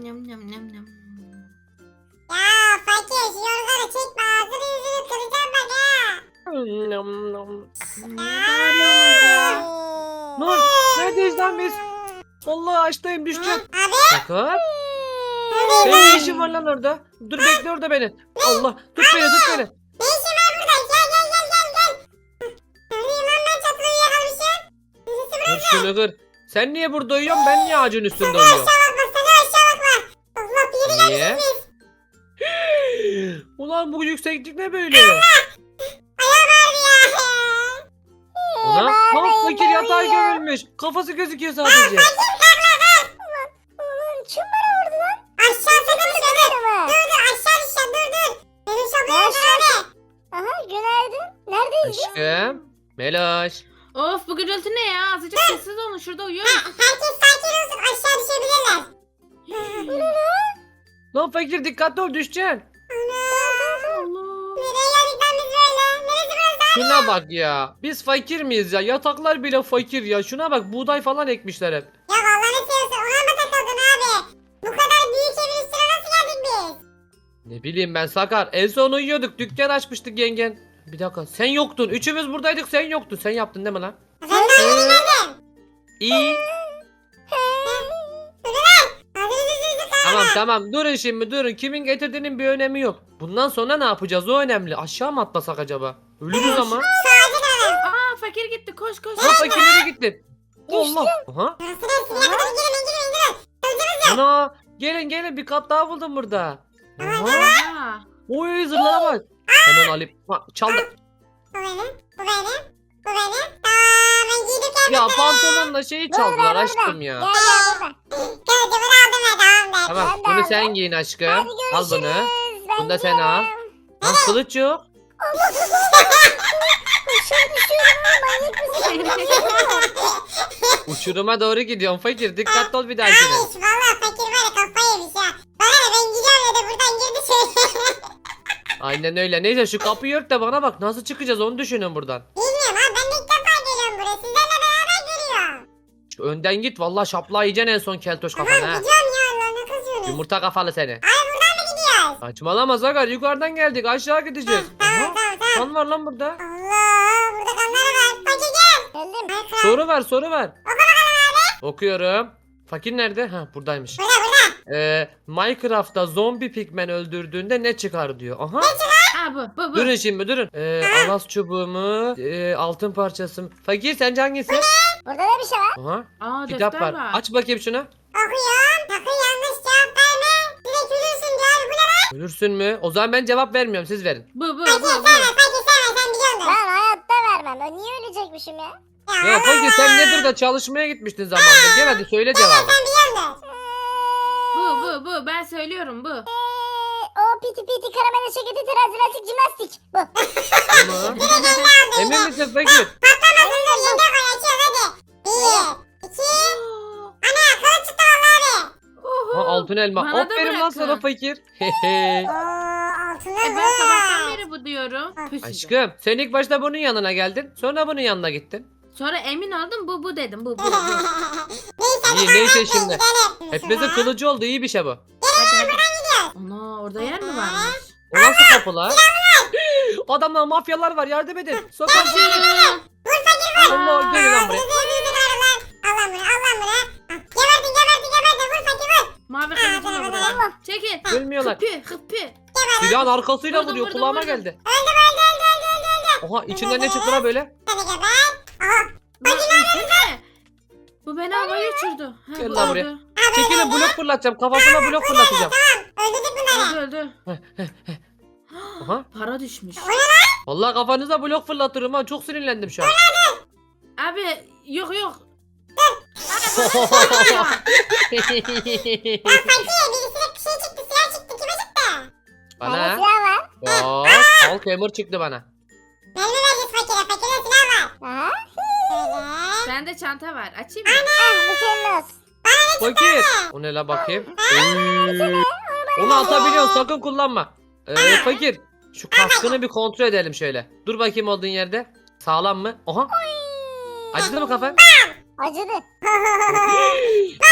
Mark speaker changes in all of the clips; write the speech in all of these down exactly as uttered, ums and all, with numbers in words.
Speaker 1: nyam nyam nyam nyam.
Speaker 2: Ya fakir şu yorganı çekme ağzını yüzünü kıracağım bak ha.
Speaker 3: Nom nom.
Speaker 1: Niye bağırıyorsunuz ya?
Speaker 3: Nur neredeyiz lan biz? Vallahi açtayım düşeceğim.
Speaker 2: Abi.
Speaker 3: Sakar. Senin ne işin var lan orada? Dur bekle orada beni. Allah tut beni tut beni.
Speaker 2: Ne işin var burada? Gel gel gel gel gel. Neredeyim lan ben çatıda uyuyakalmışım. Neresi
Speaker 3: Dur şunu kır. Sen niye burada uyuyorsun? Ben niye ağacın üstünde
Speaker 2: Sana
Speaker 3: uyuyorum?
Speaker 2: aşağı bakma sana aşağı bakma. Allah bir yere
Speaker 3: Niye?
Speaker 2: gelmişiz biz.
Speaker 3: Ulan bu yükseklik ne böyle?
Speaker 2: Ayağım ağrıyor ya.
Speaker 3: Ana ha fakir yatağa gömülmüş. Kafası gözüküyor sadece.
Speaker 4: Ulan kim bana vurdu lan?
Speaker 2: Aşağı sakın dur.
Speaker 4: Ama.
Speaker 2: Dur dur aşağı düşeceğim dur dur. Benim şapkayı
Speaker 4: Aşağı-
Speaker 2: abi.
Speaker 4: Aha günaydın. Neredeyiz biz?
Speaker 3: Aşkım. Meloş.
Speaker 1: Of bu gürültü ne ya? Azıcık sessiz olun, şurada
Speaker 2: Ha,
Speaker 1: uyuyoruz.
Speaker 2: herkes sakin olsun aşağı düşebilirler.
Speaker 3: Lan fakir dikkatli ol düşeceksin.
Speaker 1: Allah.
Speaker 2: Nereye geldik lan biz böyle? Neresi burası?
Speaker 3: Şuna bak ya. Biz fakir miyiz ya? Yataklar bile fakir ya. Şuna bak buğday falan ekmişler hep.
Speaker 2: Ya vallahi ne seviyorsun ona mı takıldın abi? Bu kadar büyük evin üstüne nasıl geldik biz?
Speaker 3: Ne bileyim ben Sakar. En son uyuyorduk. Dükkan açmıştık yengen. Bir dakika sen yoktun. Üçümüz buradaydık sen yoktun. Sen yaptın değil mi lan?
Speaker 2: Ben de öyle geldim.
Speaker 3: İyi.
Speaker 2: Ağzınızı yüzünüzü
Speaker 3: Tamam tamam durun şimdi durun. Kimin getirdiğinin bir önemi yok. Bundan sonra ne yapacağız o önemli. Aşağı mı atlasak acaba? Ölürüz ama.
Speaker 1: Aa fakir gitti, koş koş.
Speaker 3: Ha fakir nereye gittin? Allah. Aha.
Speaker 2: Burası neresi? Ne kadar girin girin girin.
Speaker 3: Ana. Gelin gelin bir kat daha buldum burada. Aha.
Speaker 1: Aa,
Speaker 3: Oy zırlara bak. Hemen alayım. Ha, çaldı.
Speaker 2: Bu benim. Bu benim. Bu benim. Tamam ben giydim
Speaker 3: Ya
Speaker 2: geldim.
Speaker 3: pantolonla şeyi çaldılar aşkım ya.
Speaker 4: Gel gel burada.
Speaker 2: Kılıcımı da aldım ben tamam da.
Speaker 3: Tamam
Speaker 4: Ben de
Speaker 3: bunu
Speaker 4: aldım.
Speaker 3: sen giyin aşkım.
Speaker 4: Hadi
Speaker 3: Al bunu.
Speaker 4: görüşürüz. Ben
Speaker 3: Bunu da sen al.
Speaker 4: gidiyorum.
Speaker 3: Lan kılıç yok.
Speaker 4: Aşağı düşüyorum ama manyak mısın?
Speaker 3: Uçuruma doğru gidiyorsun fakir. Dikkatli ol bir dahakine.
Speaker 2: Abi valla fakir var ya kafayı yemiş ya. Bana ne ben gidiyorum dedi buradan girdi şöyle.
Speaker 3: Aynen öyle. Neyse şu kapıyı ört de bana bak. Nasıl çıkacağız onu düşünün buradan.
Speaker 2: Bilmiyorum abi ben de ilk defa geliyorum buraya. Sizlerle beraber geliyorum.
Speaker 3: Şu önden git. Vallahi şaplağı yiyeceksin en son keltoş
Speaker 2: Tamam
Speaker 3: kafana ha.
Speaker 2: gidiyorum ya Allah'ına kızıyorsunuz.
Speaker 3: Yumurta kafalı seni.
Speaker 2: Ay buradan mı gidiyoruz?
Speaker 3: Saçmalama Sakar. Yukarıdan geldik. Aşağı gideceğiz.
Speaker 2: Tamam
Speaker 3: Aha,
Speaker 2: tamam tamam.
Speaker 3: kan var lan burada.
Speaker 2: Allah burada kanlar var. Fakir gel.
Speaker 4: Geldim.
Speaker 2: Ay kral.
Speaker 3: Soru ver soru ver. Okuyorum. Fakir nerede? Ha buradaymış.
Speaker 2: Burada burada.
Speaker 3: Ee, Minecraft'ta zombi pigmen öldürdüğünde ne çıkar diyor. Aha.
Speaker 1: Aa bu bu bu.
Speaker 3: Durun şimdi durun. Ee, alas çubuğumu, e, altın parçası. Fakir sence hangisi?
Speaker 4: Burada da bir şey var.
Speaker 3: Aha.
Speaker 1: Aa
Speaker 3: Kitap
Speaker 1: defter
Speaker 3: var.
Speaker 1: var.
Speaker 3: Aç bakayım şunu.
Speaker 2: Okuyorum. Sakın yanlış cevap verme. Direkt ölürsün diyor. Bu ne lan?
Speaker 3: Ölürsün mü? O zaman ben cevap vermiyorum. Siz verin.
Speaker 1: Bu bu bu
Speaker 2: Fakir
Speaker 1: bu.
Speaker 2: sevme fakir sevme sen biliyorsun.
Speaker 4: Ben hayatta vermem. Ben niye ölecekmişim ya?
Speaker 3: Ya Fakir sen nedir de çalışmaya gitmiştin zamanında. Gel hadi söyle cevabı.
Speaker 2: Sen biliyorsun.
Speaker 1: Bu bu bu. Ben söylüyorum bu.
Speaker 4: Eee, o piti piti karamele şeketi terazi lastik jimnastik. Bu.
Speaker 3: Tamam. Emin misin Fakir?
Speaker 2: Patlamasın dur yenge koy açıyoruz hadi. Bir. iki. Ana kılıç çıktı valla abi.
Speaker 1: Oho.
Speaker 3: Ha, altın elma.
Speaker 1: Bana da
Speaker 3: Aferin lan
Speaker 1: bırakın.
Speaker 3: sana Fakir. Hehe.
Speaker 2: Oo altınlar
Speaker 1: E ben sabahtan beri bu diyorum. Püs
Speaker 3: Aşkım sen ilk başta bunun yanına geldin. Sonra bunun yanına gittin.
Speaker 1: Sonra emin oldum bu bu dedim. Bu bu bu.
Speaker 2: Neyse hadi
Speaker 3: İyi,
Speaker 2: kahvaltıya
Speaker 3: neyse şimdi.
Speaker 2: gidelim.
Speaker 3: Hepimizin kılıcı oldu. İyi bir şey bu.
Speaker 1: Hadi hadi. Ana orada yer mi varmış?
Speaker 3: O nasıl kapı lan? Adamlar mafyalar var yardım edin. Sokak
Speaker 1: Kaçın.
Speaker 3: Allah gelin lan buraya.
Speaker 2: Allah bunu Allah bunu. Geberdin geberdin geberdin vur fakir vur.
Speaker 1: Mavi kılıcı da burada. Çekil.
Speaker 3: Ölmüyorlar.
Speaker 1: Hıpı hıpı.
Speaker 3: Silahın arkasıyla
Speaker 1: Vurdum,
Speaker 3: vuruyor
Speaker 1: vurdum,
Speaker 3: kulağıma
Speaker 1: vurdum.
Speaker 3: geldi.
Speaker 2: Öldüm öldü öldü öldü öldü öldü.
Speaker 3: Oha içinden ne çıktı lan böyle?
Speaker 2: Hadi geber. Aha.
Speaker 1: Lan insene. Bu beni havaya uçurdu. Ha,
Speaker 3: Gel
Speaker 1: bu
Speaker 3: lan buraya.
Speaker 1: öldü.
Speaker 3: Çekilin blok fırlatacağım. Kafasına blok fırlatacağım.
Speaker 2: Öldürdük bunları.
Speaker 1: Öldü öldü.
Speaker 3: Aha.
Speaker 1: Para düşmüş.
Speaker 3: Vallahi kafanıza blok fırlatırım ha. Çok sinirlendim şu an.
Speaker 1: Abi yok yok.
Speaker 2: Ya fakir birisine bir şey çıktı silah çıktı kime çıktı?
Speaker 4: Bende
Speaker 3: Bana.
Speaker 4: silah var.
Speaker 3: Bak. Al kemur çıktı bana.
Speaker 2: Mermi vereceğiz fakire fakire silah var.
Speaker 4: Aha.
Speaker 2: Şöyle.
Speaker 1: Bende çanta var. Açayım mı?
Speaker 4: Ah bu senin olsun.
Speaker 3: Fakir. O ne la bakayım. Oy. Onu atabiliyorsun sakın kullanma. Ee, fakir. Şu kaskını bir kontrol edelim şöyle. Dur bakayım olduğun yerde. Sağlam mı? Oha. Acıdı mı kafan?
Speaker 4: Acıdı.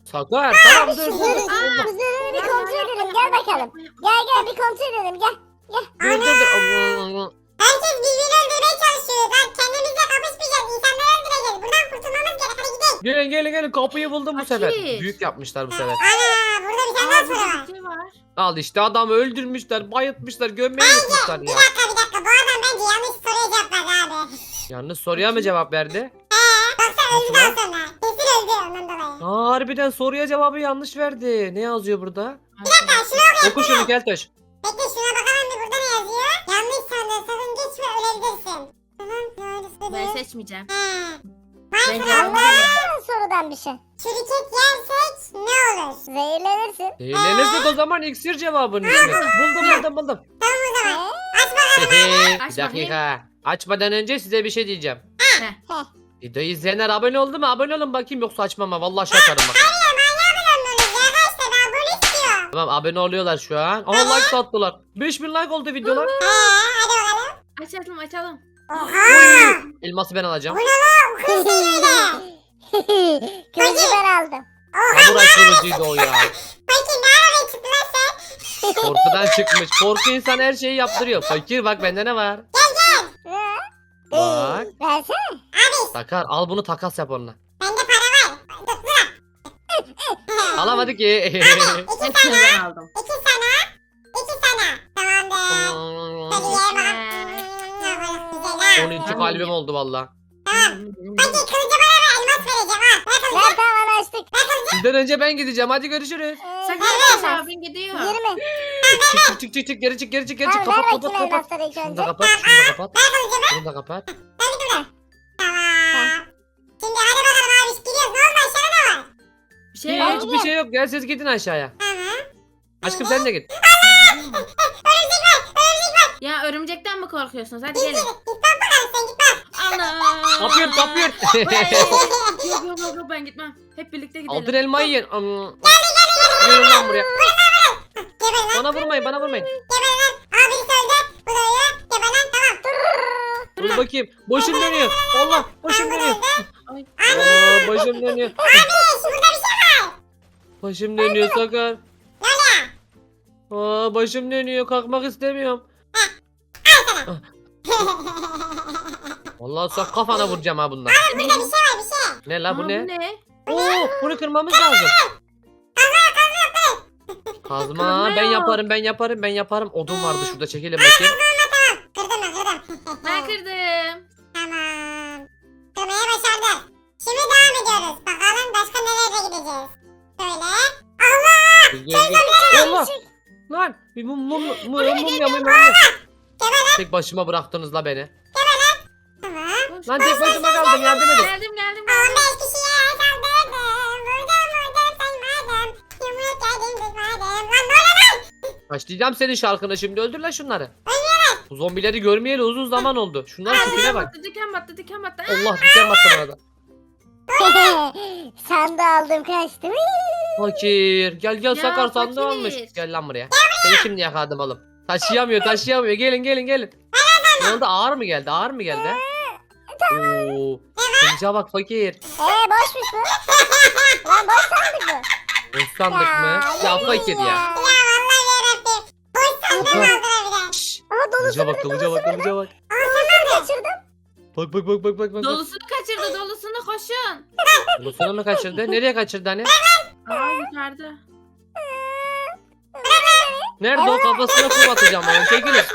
Speaker 3: Sakar tamam dur dur. dur. Allah.
Speaker 4: Kuzuları bir kontrol edelim. Gel bakalım. Gel gel bir kontrol edelim. Gel.
Speaker 3: Dur dur dur. Allah.
Speaker 2: Herkes birbirini öldürmeye çalışıyor. Lan kendimizle kapışmayacağız. İnsanları öldüreceğiz. Buradan kurtulmamız gerek. Hadi gidelim.
Speaker 3: Gelin gelin gelin kapıyı buldum bu
Speaker 1: Fakir.
Speaker 3: sefer. Büyük yapmışlar bu sefer.
Speaker 2: Ana burada bir tane daha
Speaker 1: Aa,
Speaker 2: soru var.
Speaker 1: burada bir şey var.
Speaker 3: Al işte adamı öldürmüşler, bayıltmışlar, gömmeye yıkmışlar
Speaker 2: Bir
Speaker 3: ya.
Speaker 2: dakika bir dakika. Bu adam bence yanlış soruya cevap verdi abi.
Speaker 3: Yalnız soruya mı cevap verdi?
Speaker 2: Eee baksana öldü
Speaker 3: Nasıl
Speaker 2: daha sonra. Kesin öldü ondan dolayı.
Speaker 3: Aa, harbiden soruya cevabı yanlış verdi. Ne yazıyor burada?
Speaker 2: Bir dakika şunu okuyayım.
Speaker 3: Oku şunu Keltoş.
Speaker 2: Bekle şuna bakalım bir burada ne yazıyor? Yanlış sandın sakın geçme ölebilirsin. Tamam doğrusu
Speaker 1: Ben
Speaker 2: değil.
Speaker 1: seçmeyeceğim.
Speaker 2: He.
Speaker 1: Ben
Speaker 2: Ben
Speaker 1: cevabı
Speaker 2: sana
Speaker 4: Anlamadın sorudan bir şey.
Speaker 2: çürükek yersek ne olur?
Speaker 4: Zehirlenirsin.
Speaker 3: Zehirlenirsek o zaman iksir cevabının ismi. Buldum buldum buldum.
Speaker 2: Tamam o zaman.
Speaker 4: He?
Speaker 2: Aç bakalım.
Speaker 3: bir
Speaker 1: Aç
Speaker 3: dakika. Açmadan önce size bir şey diyeceğim.
Speaker 1: Heh.
Speaker 4: Heh.
Speaker 3: Videoyu izleyenler abone oldu mu? Abone olun bakayım yoksa açmam ha. Vallahi şakarım bak.
Speaker 2: Hayır manyağı bulamıyoruz ya. Kaç tane abone istiyor.
Speaker 3: Tamam abone oluyorlar şu an. Aha like de attılar. beş bin like oldu videolar.
Speaker 2: Eee hadi bakalım.
Speaker 1: Açalım açalım.
Speaker 2: Oha.
Speaker 3: Elması ben alacağım.
Speaker 2: Bu ne lan? Bu kız değil öyle.
Speaker 4: Kılıcı ben aldım.
Speaker 3: Samuray kılıcıydı o ya.
Speaker 2: Peki ne araya çıktı lan sen?
Speaker 3: Korkudan çıkmış. Korku insan her şeyi yaptırıyor. Fakir bak bende ne var?
Speaker 4: He?
Speaker 3: Bak.
Speaker 4: Ee, Versene.
Speaker 2: Abi
Speaker 3: Sakar al bunu takas yap onunla.
Speaker 2: bende para var. Dur dur.
Speaker 3: Alamadı ki.
Speaker 2: İki
Speaker 1: Hepsini
Speaker 2: sana.
Speaker 1: ben aldım.
Speaker 2: İki sana. İki sana. Tamamdır. Hadi ye bakalım. Ne böyle güzel ha.
Speaker 3: on iki kalbim oldu valla.
Speaker 2: Tamam. Hadi kılıcı bana ver. Elmas vereceğim ha. Ver kılıcı.
Speaker 4: Ver tamam açtık.
Speaker 3: Sizden önce ben gideceğim. Hadi görüşürüz.
Speaker 4: Ee,
Speaker 1: Sakın
Speaker 4: ver
Speaker 1: Enes
Speaker 4: elmas.
Speaker 1: abin gidiyor.
Speaker 4: yirmi.
Speaker 3: Çık çık çık çık çık geri çık geri çık geri çık.
Speaker 4: Tamam ver
Speaker 3: Kapat
Speaker 4: bakayım
Speaker 3: kapat kapat.
Speaker 4: elmasları ilk
Speaker 3: Şunu
Speaker 4: önce.
Speaker 3: da kapat şunu da kapat.
Speaker 2: Ver kılıcımı.
Speaker 3: Şunu da kapat.
Speaker 2: Ver bir dur. Tamam. Şimdi hadi bakalım abi. Gidiyoruz. Ne oldu aşağıda ne var?
Speaker 1: Bir şey yok.
Speaker 3: Hiçbir şey yok. Gel siz gidin aşağıya.
Speaker 2: Tamam.
Speaker 3: Aşkım sen de git.
Speaker 2: Örümcek var. Örümcek var.
Speaker 1: Ya örümcekten mi korkuyorsunuz? Hadi
Speaker 2: Git
Speaker 1: gelin.
Speaker 2: git. Git bak bakalım sen git bak.
Speaker 1: Allah.
Speaker 3: Kapıyor kapıyor.
Speaker 1: Yok yok yok yok, ben gitmem. Hep birlikte gidelim.
Speaker 3: Altın elmayı yiyin. Am- Gelin lan buraya.
Speaker 2: Geber lan.
Speaker 3: Bana vurmayın bana vurmayın.
Speaker 2: Geber lan. Aa birisi öldü. Bu da öldü. Geber lan. Tamam.
Speaker 3: Dur bakayım. Başım dönüyor. Allah başım
Speaker 2: Tamam bu da
Speaker 3: dönüyor.
Speaker 2: öldü.
Speaker 1: Ay.
Speaker 3: Aa, başım dönüyor.
Speaker 2: Abi burada bir şey var.
Speaker 3: Başım dönüyor Sakar.
Speaker 2: Ne oluyor?
Speaker 3: Aa, başım dönüyor. Kalkmak istemiyorum. Vallahi sok kafana vuracağım ha bundan.
Speaker 2: Burada bir şey var bir şey.
Speaker 3: Ne la bu
Speaker 1: Aa,
Speaker 3: ne?
Speaker 1: ne?
Speaker 3: Oo, bunu kırmamız lazım. Kazma ben yaparım ben yaparım ben yaparım. Odun vardı şurada çekelim bakayım.
Speaker 2: Kırdım mı kırdım.
Speaker 1: Ben kırdım.
Speaker 2: Tamam. Kırmaya başardık. Şimdi devam ediyoruz. Bakalım başka nerelere gideceğiz. Şöyle. Allah.
Speaker 3: Gel, gel. Allah. Lan bir mum mum mum mum mum mum mum. Tek başıma bıraktınız la beni.
Speaker 2: Tamam.
Speaker 1: Koş.
Speaker 3: Lan tek başıma kaldım yardım edin.
Speaker 1: Geldim geldim.
Speaker 2: on beş kişiye saldırdım. Vurdum vurdum saymadım. Yumruk yedim kızmadım. Lan ne oluyor lan?
Speaker 3: Başlayacağım senin şarkını şimdi öldür lan şunları. Bu zombileri görmeyeli uzun zaman oldu. Şunların
Speaker 1: Aa,
Speaker 3: tipine
Speaker 1: diken
Speaker 3: bak.
Speaker 1: battı diken battı diken battı. Aa,
Speaker 3: Allah diken battı bana da.
Speaker 4: Sandığı aldım kaçtım.
Speaker 3: Fakir. Gel gel
Speaker 1: Ya,
Speaker 3: Sakar sandığı
Speaker 1: fakir.
Speaker 3: almış. Gel lan buraya. Seni şimdi yakaladım oğlum. Taşıyamıyor taşıyamıyor. Gelin gelin gelin. Ne oldu ağır mı geldi ağır mı geldi? ha? Oo. Kılıca bak fakir.
Speaker 4: Eee boşmuş bu. Lan boş sandık bu.
Speaker 3: Boş sandık mı? Ya fakir ya.
Speaker 2: Ya vallahi yarabbim. Boş sandığını aldılar bir de.
Speaker 3: Şşş.
Speaker 4: Aha
Speaker 3: Kılıca
Speaker 4: dolusunu
Speaker 3: bak kılıca bak kılıca bak.
Speaker 4: kaçırdım.
Speaker 3: Bak bak bak bak bak bak.
Speaker 1: Dolusunu kaçırdı dolusunu koşun.
Speaker 3: Dolusunu mu kaçırdı? Nereye kaçırdı hani?
Speaker 1: Aa yukarıda.
Speaker 3: Nerede o kafasına kum atacağım onu çekilin.
Speaker 2: Abi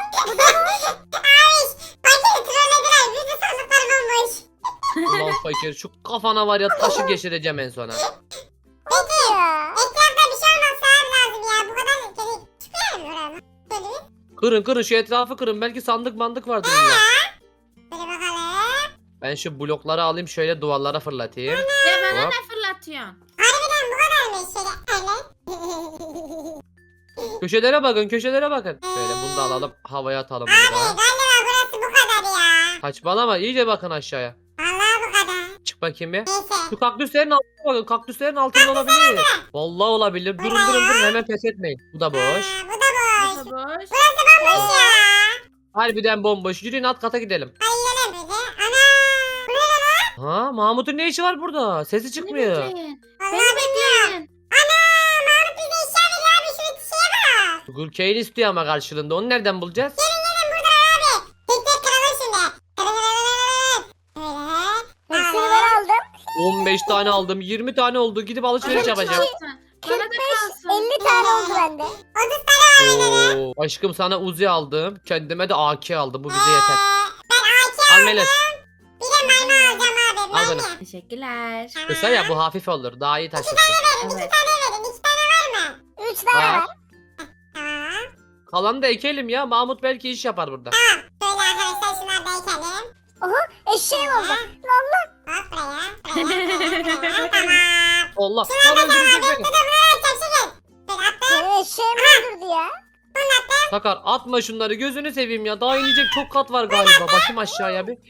Speaker 2: fakiri trollediler. Bütün sandıklar bomboş.
Speaker 3: Ulan fakir şu kafana var ya taşı geçireceğim en sona.
Speaker 2: Peki.
Speaker 4: Ya.
Speaker 2: Etrafta bir şey olmasa abi lazım ya. Bu kadar kedi çıkıyor mu buraya? Böyle bir.
Speaker 3: Kırın kırın şu etrafı kırın belki sandık mandık vardır illa.
Speaker 2: Böyle bakalım.
Speaker 3: Ben şu blokları alayım şöyle duvarlara fırlatayım.
Speaker 1: Ya bana
Speaker 3: Hop.
Speaker 1: ne fırlatıyorsun?
Speaker 2: Harbiden bu kadarmış şöyle. Öyle.
Speaker 3: Köşelere bakın köşelere bakın. Şöyle bunu da alalım havaya atalım
Speaker 2: Abi
Speaker 3: bunu da.
Speaker 2: galiba burası bu kadar ya.
Speaker 3: Saçmalama iyice bakın aşağıya.
Speaker 2: Vallahi bu kadar.
Speaker 3: Çık bakayım bir.
Speaker 2: Neyse.
Speaker 3: Şu kaktüslerin altına bakın kaktüslerin altında olabilir. Vallahi olabilir. Durun durun durun hemen pes etmeyin. Bu da boş.
Speaker 2: Aa, bu da boş.
Speaker 1: Burası boş.
Speaker 2: Bomboş ya.
Speaker 3: Harbiden bomboş. Yürüyün alt kata gidelim.
Speaker 2: Hadi gidelim böyle. Ana. Bu ne lan?
Speaker 3: Ha, Mahmut'un ne işi var burada? Sesi
Speaker 1: Beni
Speaker 3: çıkmıyor.
Speaker 1: bekleyin.
Speaker 2: Vallahi
Speaker 1: Beni bekleyin.
Speaker 2: Ana Mahmut bize eşya veriyor abi şu şeye bak.
Speaker 3: Sugar cane istiyor ama karşılığında. Onu nereden bulacağız?
Speaker 2: Gelin burada abi. Tek tek kıralım şimdi. Kırın kırın kırın. Böyle.
Speaker 4: Hepsini ben aldım.
Speaker 3: on beş tane aldım. yirmi tane oldu. Gidip alışveriş
Speaker 1: Bana
Speaker 3: yapacağım.
Speaker 1: kalsın. Bana da
Speaker 4: kırk beş
Speaker 1: kalsın.
Speaker 4: elli tane oldu bende.
Speaker 2: otuz tane var benim.
Speaker 3: Oo, aşkım sana Uzi aldım. Kendime de A K aldım. Bu bize yeter.
Speaker 2: Ee, Ben A K
Speaker 3: Al Melis.
Speaker 2: bir de mermi alacağım abi.
Speaker 3: Al
Speaker 2: Mermi.
Speaker 3: bunu.
Speaker 1: Teşekkürler.
Speaker 3: Kısa ya bu hafif olur. Daha iyi taşırsın.
Speaker 2: Verin iki
Speaker 1: Evet.
Speaker 2: tane verin. İki tane var mı?
Speaker 4: Üç tane
Speaker 3: Var.
Speaker 4: var.
Speaker 2: Tamam.
Speaker 3: Kalanı da ekelim ya. Mahmut belki iş yapar burada.
Speaker 2: Tamam. Şöyle arkadaşlar şunları da ekelim.
Speaker 4: Oha eşeğim oldu. Allah.
Speaker 2: Hop buraya. Buraya. Buraya. Tamam.
Speaker 3: Allah. Lan öldürecek beni.
Speaker 2: Bir de buraya atacağım şimdi. Böyle attım.
Speaker 4: Benim eşeğim öldürdü ya.
Speaker 3: Sakar atma şunları. Gözünü seveyim ya. Daha inecek çok kat var galiba. Bakayım aşağıya bir.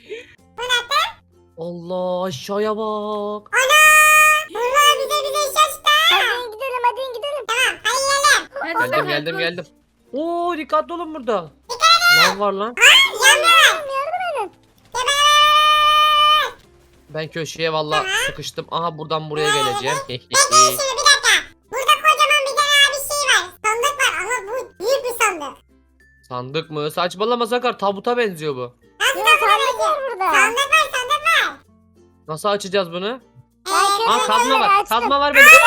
Speaker 3: Allah aşağıya bak.
Speaker 2: Bunlar bize bize iş açtı.
Speaker 4: Hadi gidelim hadi gidelim.
Speaker 2: Tamam. Hadi yiyelim.
Speaker 1: Hadi
Speaker 3: Geldim
Speaker 1: Sakar,
Speaker 3: geldim
Speaker 1: koş.
Speaker 3: geldim. Oo dikkatli olun burada. Lan var lan.
Speaker 2: Yanmıyor.
Speaker 3: Ben köşeye valla sıkıştım. Aha buradan buraya geleceğim.
Speaker 2: Bekleyin şimdi bir dakika. Burada kocaman bir tane abi şey var. Sandık var ama bu büyük bir sandık.
Speaker 3: Sandık mı? Saçmalama Sakar. Tabuta benziyor bu.
Speaker 2: Nasıl
Speaker 4: Yok sandık var burada.
Speaker 2: sandık var sandık var.
Speaker 3: Nasıl açacağız bunu?
Speaker 2: Ee,
Speaker 4: Ben
Speaker 3: Aa
Speaker 4: kırmızı
Speaker 3: kazma var.
Speaker 4: açtım.
Speaker 3: Kazma var benim.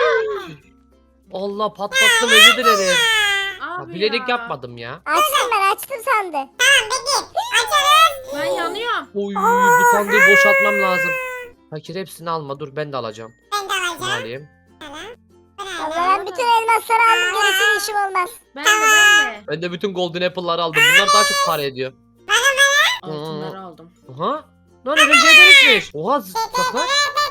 Speaker 3: Allah patlattım özür dilerim. Ya,
Speaker 1: Abi
Speaker 3: bilerek
Speaker 1: ya.
Speaker 3: yapmadım ya.
Speaker 4: Açtım ben açtım sandı.
Speaker 2: Tamam bekleyin. Açarız.
Speaker 1: Ben yanıyorum.
Speaker 3: Oy bu sandığı boşaltmam lazım. Fakir hepsini alma dur ben de alacağım.
Speaker 2: Ben de
Speaker 3: Bunu
Speaker 2: alacağım.
Speaker 3: alayım.
Speaker 2: Tamam. Ben
Speaker 4: Allah
Speaker 2: alacağım.
Speaker 4: ben bütün elmasları aldım gerisini işim olmaz.
Speaker 1: Ben de ben de.
Speaker 3: Ben de bütün golden apple'ları aldım. Bunlar daha çok para ediyor.
Speaker 1: Altınları aldım.
Speaker 3: Aha. Lan örümceğe dönüşmüş. Oha Sakar.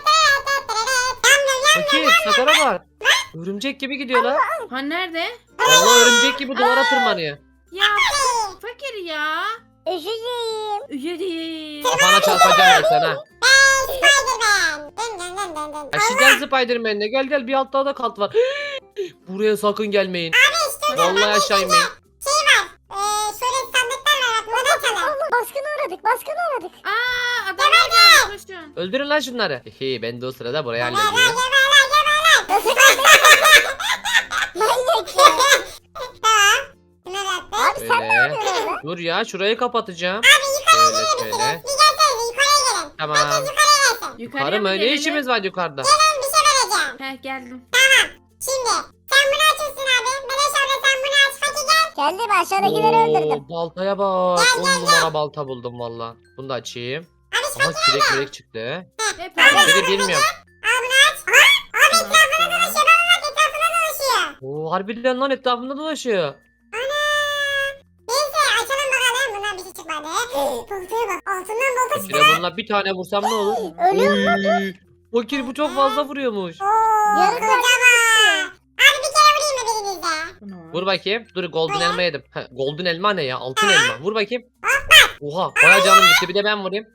Speaker 3: Fakir Sakar'a bak. Örümcek gibi gidiyor lan.
Speaker 1: Ha nerede?
Speaker 3: Allah örümcek gibi duvara tırmanıyor.
Speaker 1: Ya fakir ya.
Speaker 4: Üşüyeyim.
Speaker 1: Üye değil.
Speaker 3: Kafana çarpacağım ben sana.
Speaker 2: Spiderman. Dın dın dın dın dın.
Speaker 3: Yaşayacağız Spiderman'le. Gel gel bir altta da kalt var. Buraya sakın gelmeyin. Vallahi aşağı inmeyin.
Speaker 2: Şey var. Ee, şöyle sandıklar var. Bak bunu da açalım.
Speaker 4: Allah baskına uğradık baskına uğradık.
Speaker 1: Aa adamlar gelmiş koşun.
Speaker 3: Öldürün lan şunları. Hihi ben de o sırada burayı
Speaker 2: Geberler
Speaker 3: hallediyorum.
Speaker 2: geberler geberler.
Speaker 4: Nasıl kaybettin? Manyak ya.
Speaker 2: Tamam. Şunları attık.
Speaker 4: Abi sen ne
Speaker 3: Öyle.
Speaker 4: yapıyorsun orada?
Speaker 3: Dur ya şurayı kapatacağım.
Speaker 2: Yukarıya
Speaker 3: Şöyle
Speaker 2: gelir
Speaker 3: şöyle.
Speaker 2: misiniz? Bir gelsenize yukarıya gelin.
Speaker 3: Tamam.
Speaker 2: Yukarıya gelsin.
Speaker 1: Yukarıya
Speaker 3: Karım
Speaker 1: mı
Speaker 3: öyle
Speaker 1: gelelim?
Speaker 3: işimiz var yukarıda.
Speaker 2: Ben bir şey vereceğim.
Speaker 1: Heh geldim.
Speaker 2: Şimdi sen bunu açıyorsun abi. Meleş abla sen bunu aç. Hadi gel.
Speaker 4: Geldim aşağıdakileri öldürdüm.
Speaker 3: Oo, baltaya bak. on numara balta buldum valla. Bunu da açayım.
Speaker 2: Abi
Speaker 3: Aha kürek kürek çıktı.
Speaker 1: Hep
Speaker 3: Biri bilmiyorum.
Speaker 2: al bunu aç. Aha. Abi etrafına dolaşıyor. Baba bak etrafına dolaşıyor.
Speaker 3: Oo harbiden lan etrafında dolaşıyor.
Speaker 2: Neyse açalım bakalım. Bundan bir şey çıkmadı. Baltaya bak. Altından balta çıktı.
Speaker 3: Fakire bununla bir tane vursam ne olur?
Speaker 4: Ölüyorum.
Speaker 3: Oy. Fakir bu çok fazla vuruyormuş.
Speaker 2: Oo,
Speaker 4: Yarı
Speaker 2: kocaman. Abi bir kere vurayım mı birinize?
Speaker 3: Vur bakayım. Dur golden elma yedim. Ha, golden elma ne ya? Altın elma. Vur bakayım. Oha baya canım gitti. Bir de ben vurayım.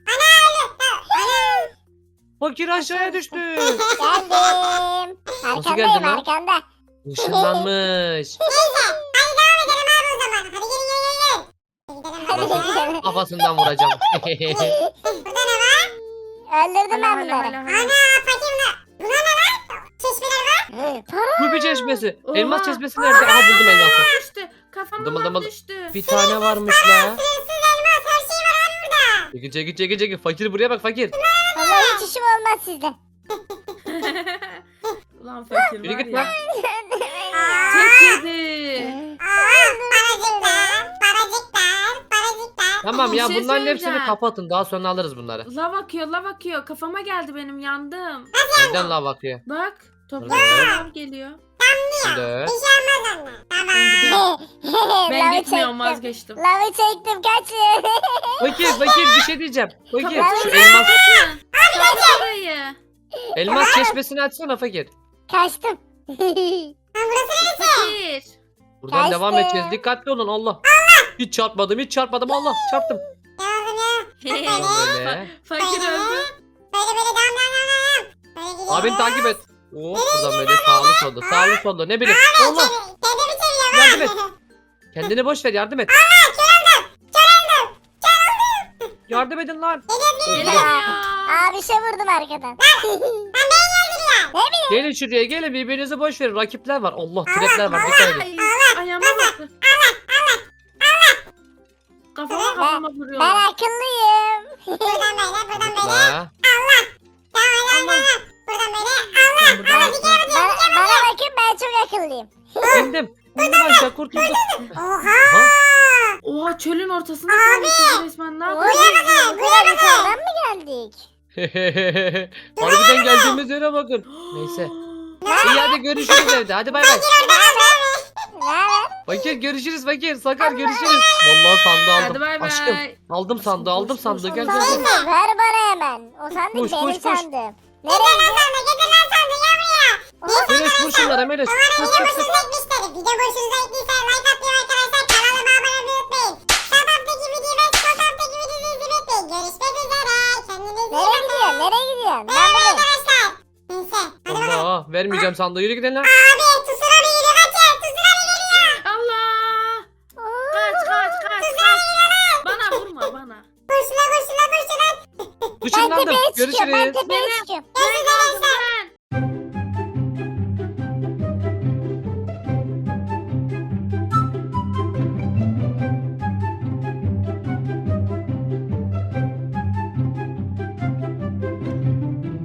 Speaker 3: Fakir aşağıya düştü.
Speaker 4: Geldim.
Speaker 3: Nasıl
Speaker 4: Arkandayım
Speaker 3: geldin lan?
Speaker 4: arkanda.
Speaker 3: Işınlanmış.
Speaker 2: Neyse. Hadi devam edelim abi o zaman. Hadi gelin gelin gelin. Hadi gidelim
Speaker 4: Hadi
Speaker 2: hadi.
Speaker 4: gidelim.
Speaker 3: Kafasından vuracağım.
Speaker 2: Burada ne var?
Speaker 4: Öldürdüm ben
Speaker 1: Hala
Speaker 4: bunları.
Speaker 1: hala hala.
Speaker 2: Ana fakir bunlar. Buna ne lan? Çeşmeler var.
Speaker 4: Para.
Speaker 3: Ruby çeşmesi.
Speaker 1: Oha.
Speaker 3: Elmas çeşmesi nerede? Aha buldum elması.
Speaker 1: Düştü. Kafama
Speaker 3: Dımıl dımıl.
Speaker 1: düştü.
Speaker 3: Bir tane varmış la.
Speaker 2: Sınırsız elmas her şey var abi burada.
Speaker 3: Çekil çekil çekil çekil. Fakir buraya bak fakir.
Speaker 4: Allah hiç işim olmaz sizde.
Speaker 1: Ulan fakir
Speaker 3: Yürü
Speaker 1: var
Speaker 3: git
Speaker 1: ya.
Speaker 3: lan.
Speaker 1: Tek yedi.
Speaker 2: Aa, paracıklar, paracıklar, paracıklar.
Speaker 3: Tamam
Speaker 1: Bir
Speaker 3: ya
Speaker 1: şey
Speaker 3: bunların hepsini
Speaker 1: söyleyeceğim.
Speaker 3: kapatın. Daha sonra alırız bunları.
Speaker 1: Lav akıyor lav akıyor. Kafama geldi benim yandım.
Speaker 3: Nereden lav akıyor?
Speaker 1: Bak. Toprak
Speaker 3: Evet.
Speaker 1: lav geliyor.
Speaker 3: Şimdi.
Speaker 2: Bir şey olmaz onunla. Tamam.
Speaker 1: Ben
Speaker 4: Lavı
Speaker 1: gitmiyorum
Speaker 4: çektim.
Speaker 1: vazgeçtim.
Speaker 4: Lavı çektim kaçın.
Speaker 3: Fakir fakir bir şey diyeceğim. Fakir
Speaker 1: Kapatın.
Speaker 3: şu elmas,
Speaker 1: Kapatın. Kapatın orayı.
Speaker 3: elmas çeşmesini açsana fakir.
Speaker 4: Kaçtım.
Speaker 1: Fakir.
Speaker 3: Buradan
Speaker 4: Kaçtı.
Speaker 3: devam edeceğiz. Dikkatli olun Allah. Hiç çarpmadım hiç çarpmadım Allah çarptım.
Speaker 2: Devam ya.
Speaker 3: Tamam böyle.
Speaker 1: Fakir öldü.
Speaker 2: Böyle böyle devam devam devam. Böyle gidelim.
Speaker 3: Abini takip et. Oo, buradan böyle sağlı sollu sağlı sollu ne bileyim. Allah
Speaker 2: Kendimi çeviriyorum.
Speaker 3: yardım et. Kendini boş ver yardım et. Yardım edin lan.
Speaker 1: Geliyor.
Speaker 4: Abi şey vurdum arkadan.
Speaker 3: Gelin şuraya gelin birbirinizi boş verin. Rakipler var. Allah trapler var. Dikkat edin.
Speaker 1: Ay, ayağıma baktı. Kafama kafama vuruyor.
Speaker 4: Ben akıllıyım.
Speaker 2: Buradan böyle buradan böyle.
Speaker 3: La.
Speaker 2: Tamam tamam tamam. Buradan böyle. Allah.
Speaker 1: Ben buradan-
Speaker 4: Bana, bana bakın ben çok akıllıyım.
Speaker 3: İndim. İndim aşağı kurtuldum.
Speaker 2: Oha.
Speaker 3: Ha?
Speaker 1: Oha çölün ortasında kalmışız resmen. Ne
Speaker 4: Oy,
Speaker 1: yapıyorsun?
Speaker 4: bu kadar yukarıdan mı geldik?
Speaker 3: Harbiden geldiğimiz yere bakın. Neyse. İyi hadi görüşürüz evde. Hadi bay bay.
Speaker 4: Ne haber?
Speaker 3: Fakir görüşürüz fakir. Sakar görüşürüz. Vallahi sandığı aldım.
Speaker 1: Hadi bay bay.
Speaker 3: Aşkım aldım sandığı aldım
Speaker 1: Koş,
Speaker 3: sandığı.
Speaker 1: koş,
Speaker 3: Gel
Speaker 1: koş.
Speaker 3: gel gel.
Speaker 4: Sandık ver bana hemen. O sandık
Speaker 3: Koş,
Speaker 4: benim
Speaker 3: koş, koş.
Speaker 4: sandım.
Speaker 2: Getir
Speaker 4: Nereye
Speaker 2: lan sandı getir lan sandı gel buraya.
Speaker 3: Melis vur şunlara Melis. Kız
Speaker 2: Video
Speaker 3: kız kız.
Speaker 2: hoşunuza gitmiştir. Video hoşunuza gittiyse like atmayı arkadaşlar. Kanalıma abone olmayı unutmayın. Sağ taraftaki videoyu ve sol taraftaki videoyu izlemeyi unutmayın. Görüşmek üzere. Kendinize iyi
Speaker 4: Nereye
Speaker 2: bakın.
Speaker 4: gidiyorsun? Nereye gidiyorsun? Ben
Speaker 2: Bay bay
Speaker 4: buradayım.
Speaker 2: arkadaşlar. Neyse hadi bakalım.
Speaker 3: Allah vermeyeceğim sandığı. Yürü gidelim lan.
Speaker 2: Abi tsunami geliyor kaçın. Tsunami geliyor.
Speaker 1: Allah. Kaç kaç kaç kaç. Bana vurma bana.
Speaker 2: Koşuna koşuna koşuna.
Speaker 4: Ben
Speaker 3: Işınlandım.
Speaker 4: tepeye çıkıyorum. Ben
Speaker 3: Görüşürüz.
Speaker 4: tepeye
Speaker 1: Benim-
Speaker 4: çıkıyorum.
Speaker 2: Görüşürüz.